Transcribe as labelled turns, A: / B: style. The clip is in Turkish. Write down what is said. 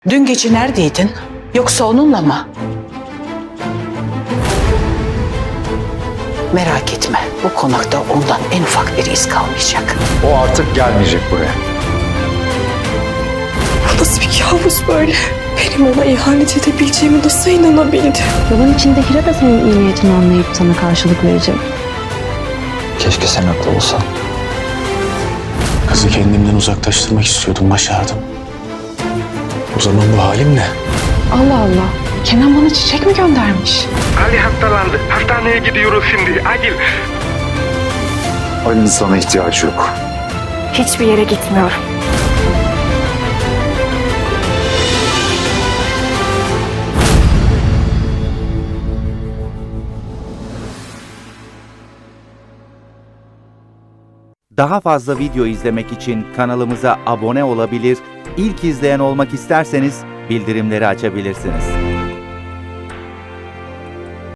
A: Dün gece neredeydin? Yoksa onunla mı? Merak etme, bu konakta ondan en ufak bir iz kalmayacak.
B: O artık gelmeyecek buraya.
C: Nasıl bir kabus böyle? Benim ona ihanet edebileceğimi nasıl inanabildi?
D: Baban içinde Hira da senin iyi niyetini anlayıp sana karşılık verecek.
B: Keşke sen haklı olsan.
E: Kızı kendimden uzaklaştırmak istiyordum, başardım. O zaman bu halim ne?
C: Allah Allah. Kenan bana çiçek mi göndermiş?
F: Ali hastalandı. Hastaneye gidiyoruz şimdi. Acil.
B: Ali'nin sana ihtiyacı yok.
C: Hiçbir yere gitmiyorum.
G: Daha fazla video izlemek için kanalımıza abone olabilir, ilk izleyen olmak isterseniz bildirimleri açabilirsiniz.